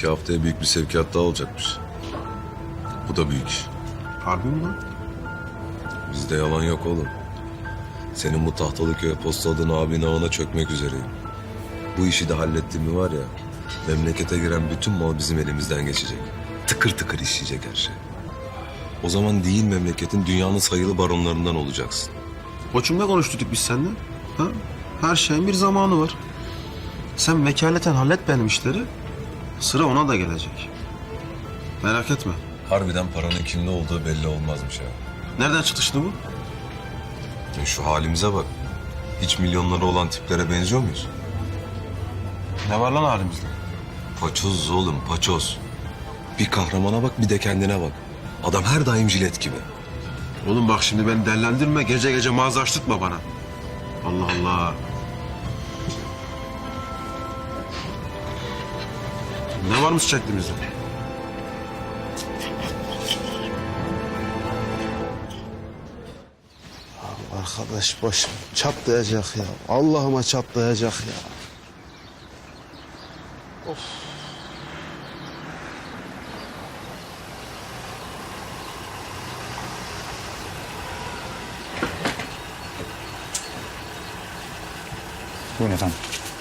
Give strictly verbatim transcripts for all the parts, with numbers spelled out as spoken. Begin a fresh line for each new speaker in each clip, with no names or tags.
İki haftaya büyük bir sevkiyat daha olacakmış. Bu da büyük iş.
Harbi mi lan?
Bizde yalan yok oğlum. Senin bu Tahtalıköy'e postaladığın abinin ağına çökmek üzereyim. Bu işi de hallettim mi var ya, memlekete giren bütün mal bizim elimizden geçecek. Tıkır tıkır işleyecek her şey. O zaman değil memleketin dünyanın sayılı baronlarından olacaksın.
Koçum ne konuştuk biz seninle? Ha? Her şeyin bir zamanı var. Sen vekaleten hallet benim işleri. Sıra ona da gelecek. Merak etme.
Harbiden paranın kimde olduğu belli olmazmış ha.
Nereden çıktı şimdi bu?
Ya şu halimize bak. Hiç milyonları olan tiplere benziyor muyuz?
Ne var lan halimizde?
Paçoz oğlum, paçoz. Bir kahramana bak, bir de kendine bak. Adam her daim jilet gibi.
Oğlum bak şimdi beni dellendirme. Gece gece mağaza açtırtma bana. Allah Allah. Ne varmış çektiğimizde? Arkadaş başım çatlayacak ya. Allah'ıma çatlayacak ya.
Buyurun efendim.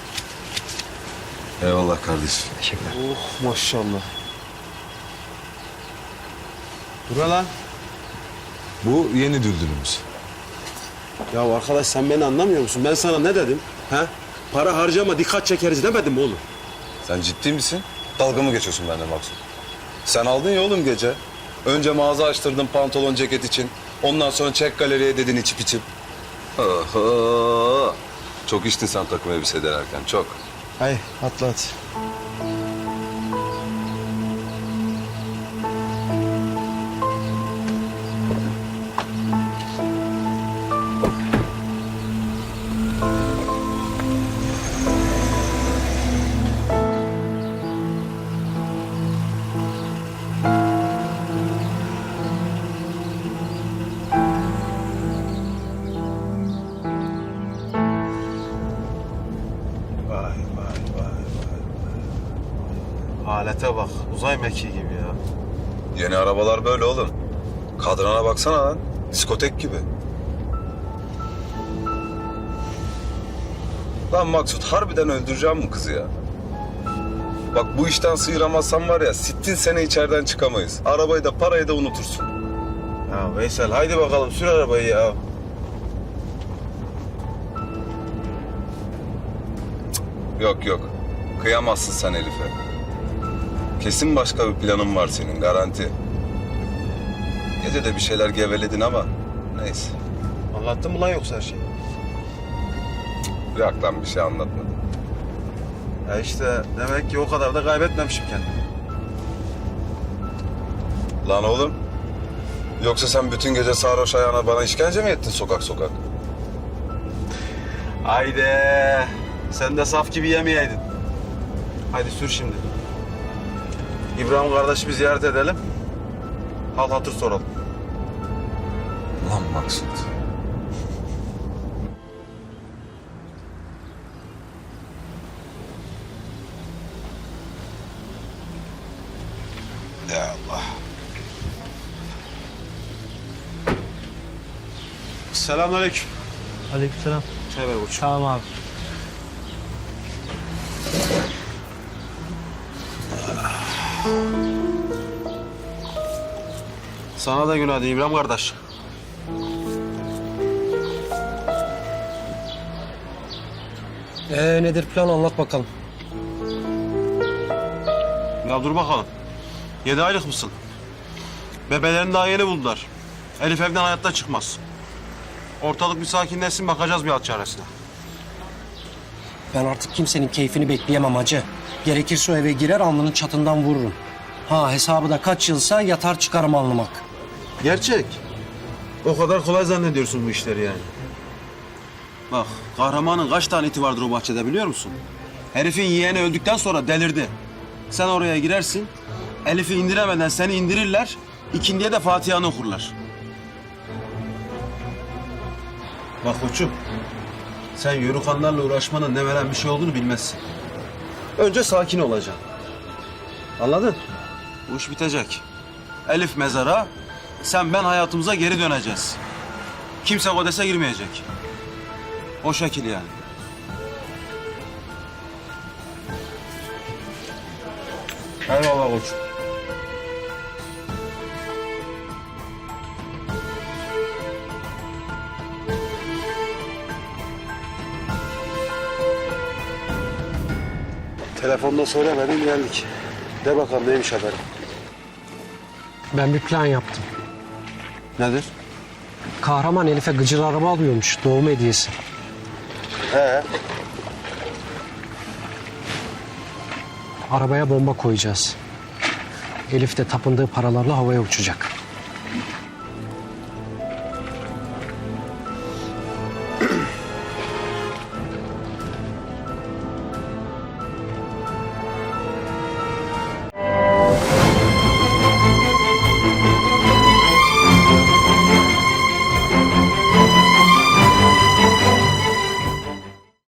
Eyvallah kardeşim.
Teşekkürler.
Oh maşallah. Dur lan.
Bu yeni düldülümüz.
Ya arkadaş sen beni anlamıyor musun? Ben sana ne dedim? He? Para harcama dikkat çekeriz demedim mi oğlum?
Sen ciddi misin? Dalga mı geçiyorsun benden Maksut? Sen aldın ya oğlum gece. Önce mağaza açtırdın pantolon ceket için. Ondan sonra çek galeriye dedin içip içip. Oho. Çok içtin sen takım elbise denerken, çok.
Hay atla hadi. Vay vay vay vay. Alete bak uzay mekiği gibi ya.
Yeni arabalar böyle oğlum. Kadrana baksana lan. Diskotek gibi. Lan Maksut harbiden öldüreceğim mi kızı ya? Bak bu işten sıyıramazsan var ya sittin sene içeriden çıkamayız. Arabayı da parayı da unutursun.
Ya Veysel haydi bakalım sür arabayı ya.
Yok yok. Kıyamazsın sen Elif'e. Kesin başka bir planın var senin garanti. Gece de bir şeyler geveledin ama neyse.
Anlattın mı lan yoksa her şeyi?
Bırak lan bir şey anlatmadım.
Ya işte demek ki o kadar da kaybetmemişim kendimi.
Lan oğlum. Yoksa sen bütün gece sarhoş ayağına bana işkence mi ettin sokak sokak?
Haydi. Sen de saf gibi yemeyeydin. Haydi sür şimdi. İbrahim kardeşimi ziyaret edelim. Hal hatır soralım.
Lan Maksut.
Ya Allah. Selamünaleyküm.
Aleykümselam.
Çay ver koçum.
Tamam abi.
Sana da günaydın İbrahim kardeş.
Ee, nedir plan anlat bakalım.
Ya dur bakalım. Yedi aylık mısın? Bebelerini daha yeni buldular. Elif evden hayatta çıkmaz. Ortalık bir sakinleşsin bakacağız bir alt çaresine.
Ben artık kimsenin keyfini bekleyemem hacı. Gerekirse o eve girer alnının çatından vururum. Ha hesabı da kaç yılsa yatar çıkarım alnımak.
Gerçek. O kadar kolay zannediyorsun bu işleri yani. Bak kahramanın kaç tane iti vardır o bahçede biliyor musun? Herifin yeğeni öldükten sonra delirdi. Sen oraya girersin, Elif'i indiremeden seni indirirler, ikindiye de Fatiha'nı okurlar. Bak koçum, sen yörükanlarla uğraşmanın ne veren bir şey olduğunu bilmezsin. Önce sakin olacaksın. Anladın? Bu iş bitecek. Elif mezara, sen ben hayatımıza geri döneceğiz. Kimse Kodes'e girmeyecek. O şekil yani. Eyvallah koçum. Telefonda söylemedin geldik. De bakalım neymiş haberin.
Ben bir plan yaptım.
Nedir?
Kahraman Elif'e gıcır araba alıyormuş doğum hediyesi.
He.
Arabaya bomba koyacağız. Elif de tapındığı paralarla havaya uçacak.